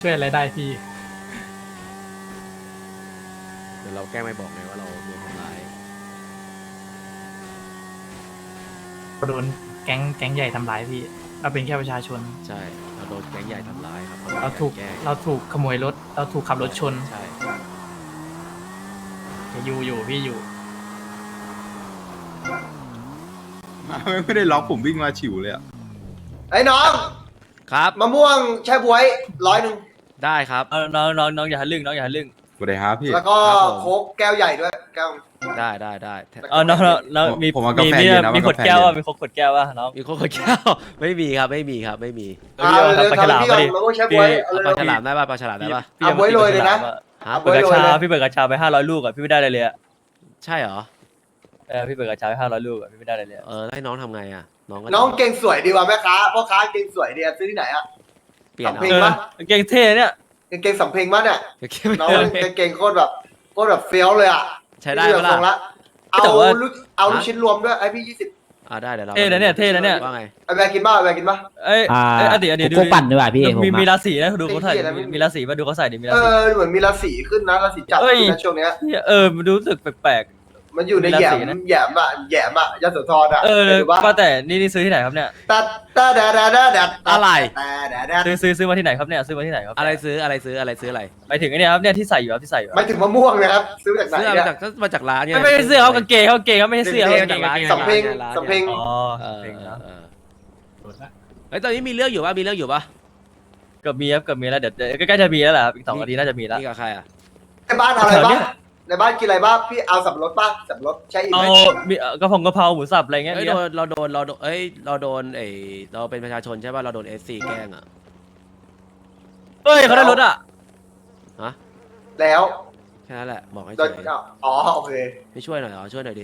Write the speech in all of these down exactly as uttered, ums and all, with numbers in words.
ช่วยอะไรได้พี่เดี๋ยวเราแกล้งไม่บอกไงว่าเราโดนทำร้ายโดนแก๊งแก๊งใหญ่ทำร้ายพี่เราเป็นแค่ประชาชนใช่เราโดนแก๊งใหญ่ทำร้ายครับเราถูกเราถูกขโมยรถเราถูกขับรถชนใช่อยู่อยู่พี่อยู่ไม่ได้ล็อกผมวิ่งมาฉิวเลยอ่ะไอ้น้องครับมะม่วงแช่บวยร้อยหนึ่งได้ครับเอาน้องน้องน้องอย่าทะลึ่งน้องอย่าทะลึ่งสวัสดีครับพี่แล้วก็ครับผมโค้กแก้วใหญ่ด้วยแก้วได้ได้ได้เออน้องน้องน้องมีผมเอากามีแฟมีเย็นนะมีเอาขกาวดแฟแก้วเย็นว่ะมีขวดแก้วว่ะน้องมีคนคนแก้ว ไม่มีครับไม่มีครับไม่มีอ่าเดี๋เร็ยววปลาๆฉลามทำพี่ก่อนมาดิมะม่วงแช่บวยเอาเอาเร็ปลาว ฉลามได้ป่ะปลาฉลามได้ป่ะพี่เอาบ๊วยโรยเลยนะฮะเอาเปิดบ๊วยกระโรยชาเลยพี่เปิดกระชาไปห้าร้อยลูกอ่ะพี่ไม่ได้อะไรเลยอ่ะใช่เหรอเออพี่เปิดกระชาไปห้าร้อยลูกอ่ะพี่ไม่ได้อะไรเลยอะเออให้น้องทำไงอ่ะน้องก็น้องเก่งสวยดีว่ะแม่ค้าพ่อค้าเก่งสวยดีอะซื้อที่ไหนอะเปลี่ยนสำเอาเพ็งเออปะเก่งเท่เนี่ยเก่งสำเพ็งมากเนี่ยเก็บไม่น้องได้เก่งโคตรแบบโคตรแบบเฟี้ยวเลยอะใช้ได้พี่ปะส่งล่ะละเอาลูกเอาลูกชิ้นรวมด้วยไอพี่ยี่สิบอ่าได้เดี๋ยวเราเท่นะเนี่ยเท่นะเนี่ยว่าไงไอแบร์กินบ้าไอแบร์กินบ้าเอ้ยอ่าเอ้ยอดีตอดีตดูโกโก้ปั่นดีกว่าพี่ผมมีอะมีราศีนะดูเขาใส่ไอ้เหี้ยอะไรไม่มีมีมีราศีมาดูเขาใส่ดิมีราเอศีอเหมือนมีราศีขึ้นนะราศีจับเอ้ยนะช่วงเนี้ยเออมันรู้สึกแปลกมันอยู่ในมีราแหยศีมนะแหยมอะแหยมอะยโสธรอะๆเออห็นปะว่าแต่นี่นี่ซื้อที่ไหนครับเนี่ยตัดตาดาดาดาดาอะไรตาดาดาซื้อซื้อซื้อมาที่ไหนครับเนี่ยซื้อมาที่ไหนครับอะไรซื้ออะไรซื้ออะไรซื้ออะไรไปถึงไอ้เนี่ยครับเนี่ยที่ใส่อยู่ครับที่ใส่อยู่ไม่ถึงมะม่วงนะครับซื้อมาจากไหนซื้อมาเนี่ยจากก็มาจากร้านไงไม่ไม่ใช่เสื้อเขากางเกงเขากางเกงเขาไม่ใช่เสื้อเขากางเกงร้านสำเพ็งร้านสำเพ็งอ๋อเออเพลงเอนะอเออเฮ้ยตอนนี้มีเรื่องอยู่ป่ะมีเรื่องอยู่ป่ะเกือบมีครับเกือบมีแล้วเดี๋ยวเดี๋ยวใกล้ๆจะมีแล้วแหละครับอีกสองนาทีน่าจะมีแล้วนี่กับใครอ่ะในบ้านเอาอะไรแถวบ้าเนี้งยในบ้านกินอะไรบ้างพี่เอาสับปะรดบ้างสับปะรดใช่อีกเอาไหมมีเอ่อกระเพงกระเพราหมูสับอะไรเงี้ยเฮ้ยมีโดอะนเราโดนเราโดนเอ้ยเราโดนเอ้เราเป็นประชาชนใช่ป่ะเราโดนเอสซีแกล้งอ่ะเฮ้ยเขาได้รถอ่ะฮะแล้วแค่นั้นแหละบอกให้โดช่นวยอ๋อโอเคไม่ช่วยหน่อยเหรอช่วยหน่อยดิ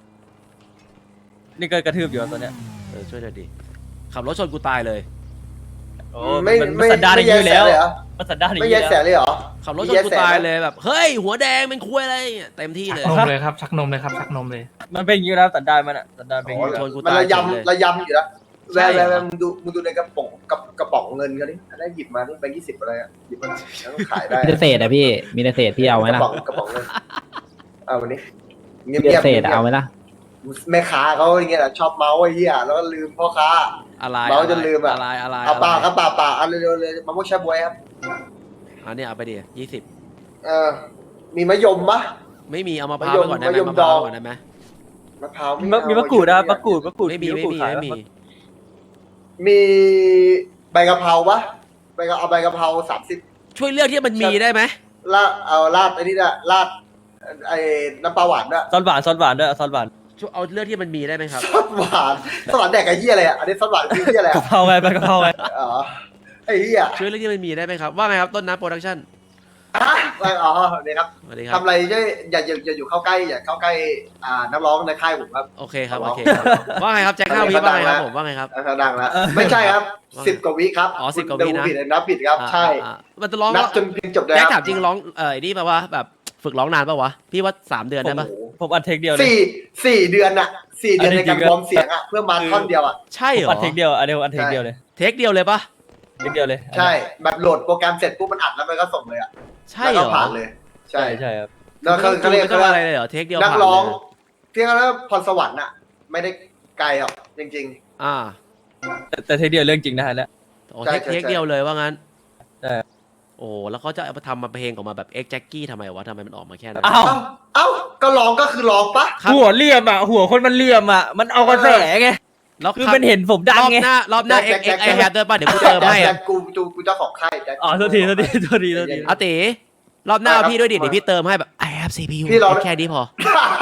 นี่ก็กระทืบอยู่อะตอนเนี้ยเออช่วยหน่อยดิขับรถชนกูตายเลยโอ้ไม่มันมันไม่สันดานอย่างไม่นี้อยู่แล้วแยกสเลยเหรอมันสันดานอย่างไม่นี้แยกแสแล้วเลยเหรอขับรถชนกูตายเลยแบบเฮ้ยหัวแดงเป็นคุยอะไรเนี่ยเต็มที่ชักเลยนมเลยครับชักนมเลยครับชักนมเลยมันเป็นอย่างนี้แล้วสันดานมันอ่ะสันดานเป็นอย่างนี้ชแล้วนกูมันตายระเฉยเลยยำระยำอยู่แล้วใช่แวร์เหรอแวร์มึงดูมึงดูในกระป๋องกระกระป๋องเงินเขาดิได้หยิบมานี่แบงค์ยี่สิบอะไรอะหยิบมาแล้วก็ขายได้มีแต่เศษอะพี่ มีแต่เศษพี่เอาไหมกล่ะระป๋องกระป๋องเงินเอาวันนี้เงีมีแต่ยบเศษๆอะเอาไหมล่ะแม่ค้าเขาอย่างเงี้ยแหละชอบเมาส์ไอ้เหี้ยแล้วก็ลืมพ่อค้าอะไรเมาจนลืมอะอะไรอะไรเอาเปล่าอะไรครับเปล่าเปล่าเอาเร็วๆเลยมะม่วงแช่บวยครับอันนี้เอาไปดิยี่สิบเออมีมะยมปะไม่มีเอามะพร้าวไปก่อนได้ไหมมะยมมะพร้าวดองก่อนได้ไหมมะพร้าวมีไเอามีมะกรูดนะครับมะกรูดมะกรูดไม่มีมะไม่กรูดมีขายไม่มีปะมีใบกะเพราปะใบกะเอาใบกะเพราสามสิบช่วยเลือกที่มันมีได้ไหมลาดเอาลาดไอ้นี่นะลาดไอ้น้ำปลาหวานด้วยซอสหวานซอสหวานด้วยซอสหวานช่วยเอาเลือกที่มันมีได้ไหมครับซอสหวานซอสหวานแดกไอ้เหี้ยอะไรอ่ะอันนี้ซอสหวานคือเหี้ยอะไรกะอ่ะเพราไงไปกะเพราไงอ๋อไอ้เหี้ยช่วยเลือกที่มันมีได้ไหมครับว่าไงครับต้นน้ำโปรดักชั่นอ่ะอ๋อเนี่ยครับสวัสดีครับทำอะไรช่วยอย่าอย่าอย่าอยู่เข้าใกล้อย่าเข้าใกล้อ่านักร้องในค่ายผมครับโอเคครับเอาโอเคครับว่าไงครับแจ็คห้าวิว่าไงครับผมว่าไงครับเขาดังแล้วไม่ใช่ครับสิบกว่าวิครับอ๋อสิบกว่าวินะคุณดูผิดนับผิดครับอ่าใช่อ่ามันจะร้องนับจนเพลงจบเลยแจ็คคถารัมจริงร้องเออนี่แปลว่าแบบฝึกร้องนานปะวะพี่ว่าสามเดือนได้ปะโอ้โหผมอัดเทคเดียวเลยสี่สี่เดือนอะสี่เดือนอันในนี้จริการงๆวอร์มเสียงอะเพื่อมาท่อนเดียวอะใช่ผเหรมออัดเทคเดียวอันเดียวอัดเทคเดียวเลยเทคเดียวเลยปะเทคเดียวเลยใช่ แบบโหลดโปรแกรมเสร็จปุ๊บมันอัดแล้วมันก็ส่งเลยอะใช่เหรแล้วอก็ผ่านเลย ใช่ใช่ใช่ครับแล้วเขาไม่เขาเรียกต้อเขางเรียกอะไรเลยเหรอเทคเดียวนักผ่านร้องเลยเรียกว่าพรสวรรค์อะไม่ได้ไกลหรอกจริงอ่าแต่แต่เทคเดียวเรื่องจริงนะฮะเนี่ยโอ้ใช่เทคใช่เทคใช่เดียวเลยว่างั้นใช่โอ้แล้วเขาจะเอามาทำมาเพลงออกมาแบบเอ็กแจ็คกี้ทำไมวะทำไมมันออกมาแค่นั้นอ้าวๆ เอ้าเอ้าก็ร้องก็คือร้องปะครับหัวเหลี่ยมอ่ะหัวคนมันเหลี่ยมอ่ะมันเอากระแสไงแล้วคือมันเห็นผมดังรอบไงหน้ารอบหน้าเอ็กแจ็เอ็คกแจ็ไอคแฮปด้วยป่ะเดี๋ยวกูเติมให้แต่อะกูกูกูเจ้าของค่ายแจ็คอ๋อโทษทีโทษทีโทษทีโทษทีอาติรอบหน้าเอาพี่ด้วยดิเดี๋ยวพี่เติมให้แบบ I have ซี พี ยูพี่ร้องแค่นี้พอ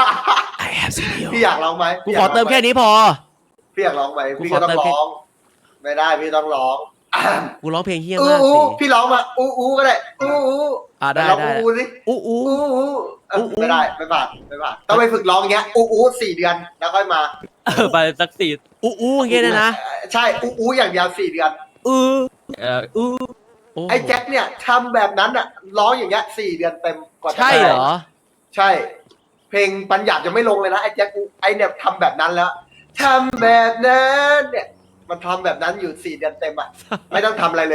I have ซี พี ยูพี่อยากร้องไหมกูขอเติมแค่นี้พอพี่อยากร้องไหมกูพี่ขอก็ต้องเติมแค่ร้อง ไม่ได้พี่ต้องร้องกูร้องเพลงเฮี้ยอู้มากอู้สิพี่ร้องมาอู้อู้ก็ได้อู้อู้อ่าได้ร้องได้อู้สิอู้อู้อู้อู้เอออู้อู้ไม่ได้ไม่ผ่านไม่ผ่านต้องไปฝึกร้องอย่างเงี้ยอู้อู้สี่เดือนแล้วค่อยมาเออไปสักสี่อู้อู้อย่างเงี้ยนะนะใช่อู้อู้อย่างเดียวสี่เดือนอู้เอออู้โอ้ไอ้แจ็คเนี่ยทำแบบนั้นอ่ะร้องอย่างเงี้ยสี่เดือนเต็มกว่าจะใช่เหรอใช่ เพลงปัญญาจะไม่ลงเลยนะไอ้แจ็คอู้ไอ้เนี่ยทำแบบนั้นแล้วทำแบบนั้นเนี่ยมันทำแบบนั้นอยู่สี่เดือนเต็มอ่ะ ไม่ต้องทำอะไรเลย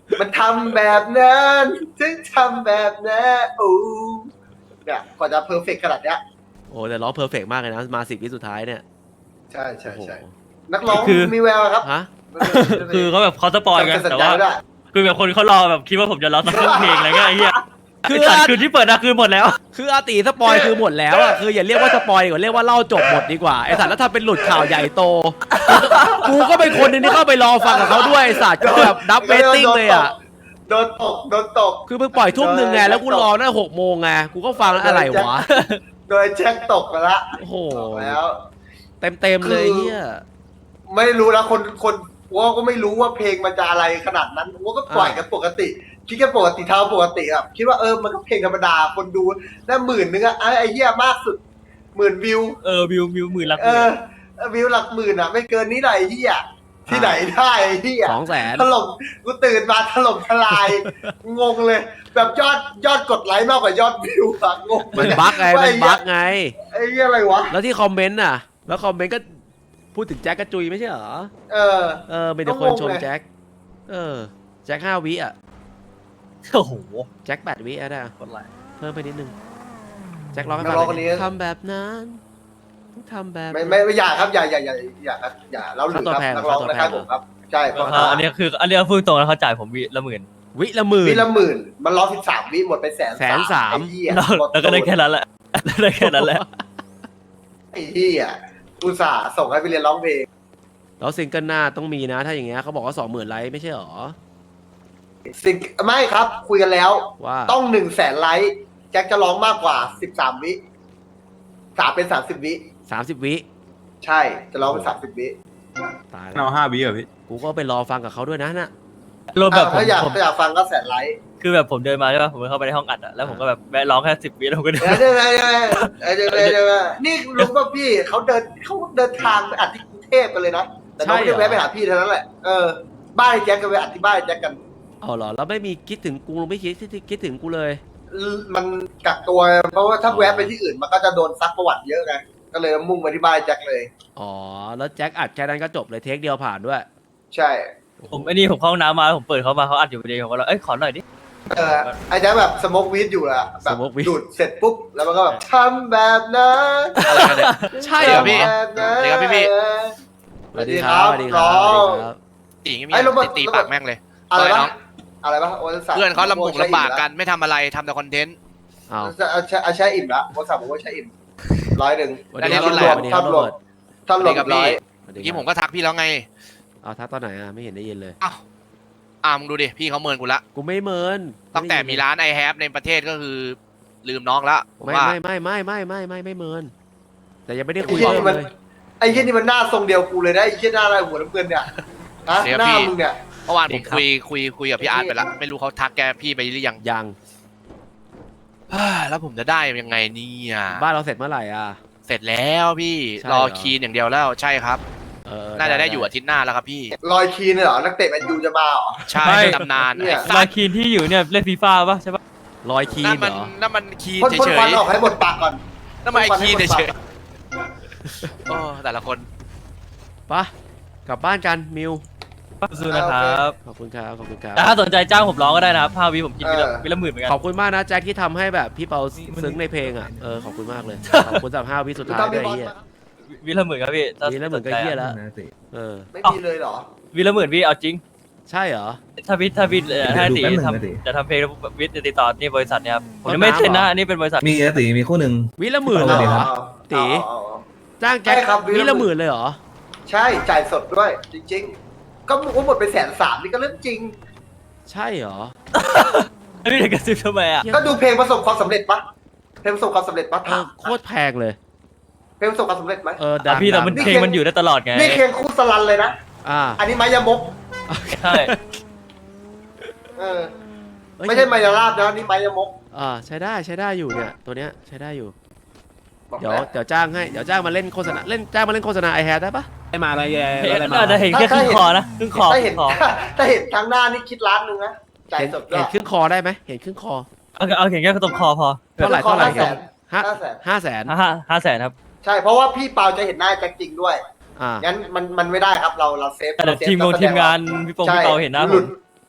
มันทำแบบนั้นถึงทำแบบนั้นโอ้เนี่ยกว่าจะเพอร์เฟกขนาดเนี้ยโอ้แต่ร้องเพอร์เฟกมากเลยนะมาสิบวิสุดท้ายเนี่ยใช่ใช่โอ้โหใช่นักร้องคือมีแววครับฮะคือเขาแบบเขาสปอยกันจำสัญแต่ญาว่าด้วยคือแบบคนเขารอแบบคิดว่าผมจะร้องสักครึ่งเพลงอะไรเงี้ยไอ้เหี้ยคืคือ อตัดคืนที่เปิดนะคือหมดแล้วคืออาตีสปอยคือหมดแล้วอ่ะคืออย่าเรียกว่าสปอยดีกว่าเรียกว่าเล่าจบหมดดีกว่าไอสัตว์แล้วถ้าเป็นหลุดข่าวใหญ่โตกูก็เป็นคนหนึงที่เข้าไปรอฟังกับเขาด้วยไอสัตว์ก็แบบดับเบตติ้งเลยอ่ะโดนตกโดนตกคือเพิ่งปล่อยทุ่มหนึ่งไงแล้วกูรอตั้งแต่หกโมงไงกูก็ฟังแล้วอะไรวะโดยแจ็คตกไปละโอ้โหตกแล้วเต็มเต็มๆเลยคือเฮียไม่รู้นะคนคนว่าก็ไม่รู้ว่าเพลงมันจะอะไรขนาดนั้นว่าก็ปล่อยกันปกติคิดกันปกติเท่าปกติครับคิดว่าเออมันก็เพลงธรรมดาคนดูได้หมื่นนึงอะไอ้ไอ้เหี้ยมากสุดหมื่นวิวเออวิววิวหมื่นละเออวิวหลักหมื่นอะไม่เกินนี้ไหนที่อ่ะที่ไหนได้ไอ้ที่อ่ะสองแสนถล่มกูตื่นมาถล่มทลาย งงเลย แบบยอดยอดกดไลค์มากกว่ายอดวิวอะงงมันบั๊กไงว่ามันไอ้เหี้ยบั๊กไงไอ้เหี้ยอะไรวะแล้วที่คอมเมนต์น่ะ แล้วคอมเมนต์ก็พูดถึงแจ็คกระจุยไม่ใช่เหรอเออเออเป็นแต่คนชมก็งงเลยแจ็คเออแจ็คห้าวิอ่ะโอ้โหแจ็คแปดวิอ่ะได้คนไรเพิ่มไปนิดนึงแจ็คร้องให้นัฟักงร้องหคน่นอยนี้ทำแบบนั้นทำแบบไม่ไม่ไม่อย่าครับอย่าอย่าอย่าอย่าครับอย่าเราหรือครับค่าตัวแพงนักร้องค่าตัวคล้ายแพงๆผมครับใช่เพราะอ่าอันนี้คืออันนี้พูดตรงแล้วเขาจ่ายผมวิละหมื่นวิละหมื่นวิละหมื่นมันร้องสิบสามวิหมดไปแสนแสนสามไอ้เหี้ยแล้วหมดแล้วก็ได้แค่นั้นแหละได้แค่นั้นแหละไอ้เหี้ยอุตส่าห์ส่งให้ไปเรียนร้องเพลงแล้วซิงเกิลหน้าต้องมีนะ ถ้าอย่างเงี้ยเขาบอกว่าสองหมื่นไลค์ไม่ใช่หรอสิ่งไม่ครับ คุยกันแล้วว่าต้องหนึ่งแสนไลค์แจ็คจะร้องมากกว่าสิบสามวิสามเป็นสามสิบวิสามสิบวิใช่จะร้องเป็นสามสิบวิตายแล้เอาวห้าวิเหรอพี่กูก็ไปรอฟังกับเขาด้วยนะน่ะรวมแบบอ่ะผมถ้าอยากผมถ้าอยากฟังก็แสนไลค์คือแบบผมเดินมาใช่ป่ะผมเข้าไปในห้องอัดอะแล้วผมก็แบบแวะร้องแค่สิบวิแล้วผมก็เดินเดี๋ยวเดี๋ยวเดี๋ยวเดี๋ยวเดี๋ยวเดี๋ยวเดี๋ยวนี่รู้ป่ะพี่เขาเดินเขาเดินทางไปอัดที่กรุงเทพกันเลยนะแต่น้องไม่ได้แวะไปหาพี่เท่านั้นแหละเออบ้านไอ้แจ็คก็ไปอัดที่บ้านไอ้แจ็คกันเอาเหรอแล้วไม่มีคิดถึงกูไม่คิดคิดถึงกูเลยมันกักตัวเพราะว่าถ้าแวะไปที่อื่นมันก็จะโดนซักประวัติเยอะไงก็เลยมุ่งไปที่บ้านไอ้แจ็คเลยอ๋อแล้วแจ็คอัดแค่นั้นก็จบเลยเทคเดียวผ่านด้วยใช่ผมไอ้นี่ผมเข้าห้องน้ำมาผมเปิดเขามาเขาอัดอยู่พอดีผมก็เลยเอ้ยขอหน่อยดิเออไอ้แจ็คแบบสโมกวีดอยู่แหละแบบ smoke weed ดูดเสร็จปุ๊บแล้วมันก็แบบทำแบบนั้นอะไรกันเนี่ยใช่เหรอพี่ทำแบบนั้นสวัสดีครับพี่สวัสดีครับสวัสดีครับสวัสดีครับตีอย่างงี้ไอ้มีโรเบิร์ตตีปากแม่งเลยอะไรอะไรปะน้องอะไรปะโอ้ยสัตว์เพื่อนเขาลำบุกลำบากกันไม่ทำอะไรทำแต่คอนเทนต์อ้าวจะเอาใช้เอาใช้อิ่มละโทรศัพท์ผมก็ใช้อิ่มร้อยหนึ่งสวัสดีครับอันนี้รรวถมอะไรสวัสดีครับโรเบิร์ตท่านรวมกับร้อยสวัสดีเมื่อกี้คผรับมก็ทักพี่แล้วไงเอาทักตอนไหนอ่ะไม่เห็นได้ยินเลยอ้าวอ่ามึงดูดิพี่เขาเมินกูละกูไม่เมินตั้งแต่มีร้านไอแฮปในประเทศก็คือลืมน้องละผมไม่ว่าไม่ไม่ไม่ไม่ไม่ไม่ไม่เมินแต่ยังไม่ได้คุยไอ้เหี้ยเรื่นี่องมันเลยไอ้เหี้ยนี่มันหน้าทรงเดียวกูเลยนะไอ้เหี้ยหน้าอะไรหัวน้ำเงินเนี่ยฮะหน้ามึงเนี่ยเมื่อวานผมคุยคุยคุยกับพี่อาร์ตไปละไม่รู้เขาทักแกพี่ไปหรือยังยังอ่าแล้วผมจะได้ยังไงเนี่ยบ้านเราเสร็จเมื่อไหร่อ่ะเสร็จแล้วพี่ใช่รเหรออคีนอย่างเดียวแล้วใช่ครับเออน่าจะได้อยู่อาทิตย์หน้าแล้วครับพี่ลอยคีนเหรอนักเตะแมนยูจะมาเหรอใช่ไม่ตำนานเนี่ยไอ้สัลาตว์คีนที่อยู่เนี่ยเล่นฟีฟ่าป่ะใช่ป่ะลอยคีนนั่นเหมัรนอนั่นมันคีนพ่นพ่นเฉควันยออกให้หมดปากก่อนๆนั่นมันไอคีนเฉยๆโอ้แต่ละคนปะกลับบ้านกันมิวสู้ๆนะครับขอบคุณครับขอบคุณครับแต่ถ้าสนใจจ้างผมร้องก็ได้นะครับห้าวิผมกินวิละวิละหมื่นเหมือนกันขอบคุณมากนะแจ็คที่ทำให้แบบพี่เปาซึ้งในเพลงอ่ะเออขอบคุณมากเลยขอบคุณสำหรับห้าวิสุดท้ายต้องด้มีวยบอลไอ้เฮียปะวิละหมื่นครับพี่ถ้านี่แล้วเหมือนกับสใจเฮียแล้วเออไม่มีเลยเหรอวิละหมื่นพี่เอาจริงใช่เหรอถ้าพี่ถ้าพี่เอ่อถ้าตีทำจะทำเพลงวิทย์ติดต่อนี่บริษัทเนี่ยครับผมยังไม่เซ็นนะอันนี้เป็นบริษัทมีอะตีมีคู่หนึ่งวิละหมื่นเอาเลยเลยเหรคอรับตีเอาเอาเอาจ้างแจ็คใช่ครับวิวิละละหหมื่มื่นนเลยเหรอใช่จ่ายสดด้วย จริง ๆ ก็หมดไปแสนสามนี่ก็เรื่องจริงใช่เหรอพี่เด็กกระซิบทำไมอ่ะก็ดูเพลงประสบความสำเร็จปะเพลงประสบความสำเร็จปะเอถาอมโคตรแพงเลยเพลงประสบความสำเร็จไหมเออดังพี่แต่ดังมันเพลงมันอยู่ได้ตลอดไงนี่เคียงคู่สลันเลยนะอ่าอันนี้ไมายามกใช่เออเอ้ยไม่ใช่ไมายาลาบนะนี่ไมายามกอ่าใช้ได้ใช้ได้อยู่เนี่ยตัวเนี้ยใช้ได้อยู่บอกเดี๋ยวแล้วเดี๋ยวจ้างให้เดี๋ยวจ้างมาเล่นโฆษณาเล่นจ้างมาเล่นโฆษณาไอแฮได้ปะได้มาอะไรแย่เห็นอะไรมาอาจจะเห็นแค่ครึ่งคอนะครึ่งคอถ้าคเห็รึ่นงคอถ้าเห็นทางหน้านี่คิดล้านหนึ่งนะจ่ายเห็นสดก็เห็นครึ่งคอได้ไหมเห็นครึ่งคอเอาเอาเห็นแค่ตรงคอพอเท่าไหร่เท่าไหร่ห้าแสนห้าห้าแสนห้าแสนห้าห้าแสนครับใช่เพราะว่าพี่เปาจะเห็นหน้าแจ็คจริงด้วยอ่างั้นมันมันไม่ได้ครับเราเราเซฟแต่เราเซฟทีมงานนักแสดทีมงานพี่ปงใช่พี่เปาเห็นหน้าผหลุมด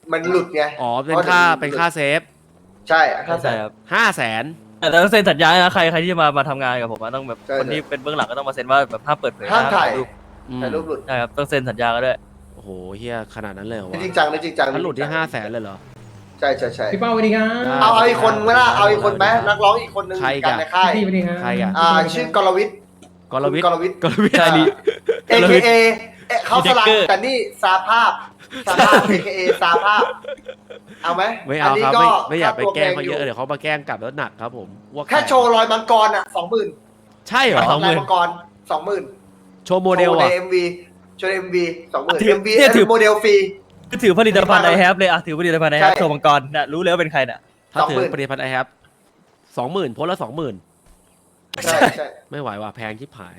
มันหลุดไงอ๋อเป็นค่าเป็นค่าเซฟใช่ค่าใช่ครับห้าแสนแต่ต้องเซ็นสัญญานะใครใครที่จะมามาทำงานกับผมอะต้องแบบใช่คนที่เป็นเบื้องหลังก็ต้องมาเซ็นว่าแบบห้ามเปิดเผยห้ามถ่ายรูปถ่ายรูปหลุดใช่ครับต้องเซ็นสัญญากันด้วยโอ้โหเฮียขนาดนั้นเลยเหรอวะจริงจังนะจริงจังถ้าหลุดที่ห้าแสนเลยเหรอใช่ใช่ใช่พี่เป้าสวัสดีครับได้เอาเอาอีกคนไหมล่ะเอาอีกคนไหมนักร้องอีกคนนึงใครกันกันในค่ายพี่สวัสดีครับใครอะอ่าชื่อกรวิทย์กรวิทย์กรวิทย์กรวิทย์ใช่ดิเอ เค เอเอ๊ะเขาสลับมีเด็กเกอร์แต่นี่ซาภาพซาภาพ เอ เค เอ ซาภาพเอาไหมไม่เอานนี้ครับก็ไม่ไม่อยากไปค่ตัวแกล้งเขาพเยอะเดี๋ยวเขามาแกล้งกลับแล้วหนักครับผมว่าแค่โชว์รอยมังกรอ่ะสองหมื่นใช่เหรอสองหมื่นมังกรสองหมื่นโชว์โมเดลในอ่ะเอ็มวีโชว์เอ็มวีสองหมื่นถือเอ็มวีเนี่ยถือโมเดลฟรีก็ถือผลิตภัณฑ์ไอแฮปเลยอะถือผลิตภัณฑ์ไอแฮปใช่โชว์มังกรน่ะรู้เลยว่าเป็นใครน่ะถ้าถือสองหมื่นผลิตภัณฑ์ไอแฮปสองหมื่นโพสละสองหมื่นใช่ใช่ไม่ไหวว่ะแพงชิบหาย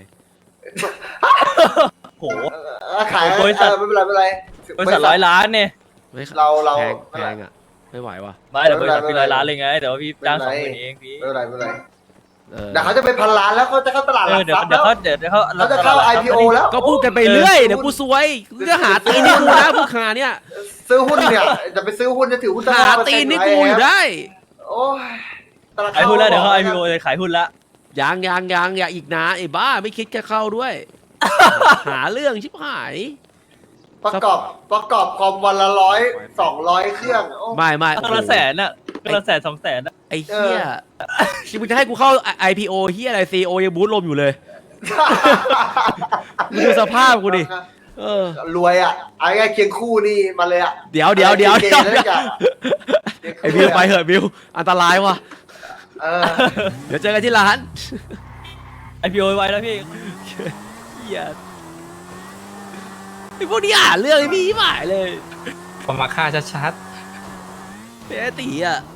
โหเออขายบริษัทเออไม่เป็นไรไม่เป็นไรบริษัทร้อยล้านเนี่ยไม่เราเราแพงแพงอ่ะไม่ไหวว่ะไม่แต่บริษัทพี่ร้อยล้านเลยไงแต่ว่าพี่จ้างสองหมื่นเองพี่ไม่เป็นไรไม่เป็นไรเออเดี๋ยวเขาจะไปพันล้านแล้วเขาจะเข้าตลาดหเอลัอก เดี๋ยวทรัพย์เดี๋แล้ยว วเขาเดี๋ยวเดี๋ยวเขาเขาจะเข้า ไอ พี โอ แล้วก็พูดกันไปเรื่อยเดี๋ยวกูซวยกูจะหาตีนให้กูนะพวกขาเนี่ยซื้อหุ้นเนี่ยจะไปซื้อหุ้นจะถือหุ้นหาตีนให้กูอยู่ได้โอ้ยตลาดขายหุ้นแล้วเดี๋ยวเขาไอพีโอเลยขายหุ้นละยังยังยังอย่าอีกนะไอ้บ้าไม่คิดจะเข้าด้วย หาเรื่องชิบหายประกอบประกอบคอมวันละร้อยสองร้อยเครื่องโอ้ไม่ไม่ก็ละแสนน่ะก็ละแสนสองแสนน่ะไอ้เหี้ยมึงจะให้กูเข้า ไอ พี โอ เหี้ยอะไร ซี โอ ยังบูทลมอยู่เลยมึงดูสภาพกูดิเออรวยอ่ะไอ้ไงเคียงคู่นี่มาเลยอ่ะเดี๋ยวเดี๋ยวเดี๋ยวเกเดี๋ยวย์แล้วจ้ะไอ้บิวไปเหอะบิวอันตรายว่ะเออเดี๋ยวเจอกันที่ร้านไอพีโอไว้แล้วพี่เหี้ยไอ้พวกนี้อ่านเรื่องไอ้พี่หมายเลยผมมาฆ่าชัดเป๊ะตีอ่ะ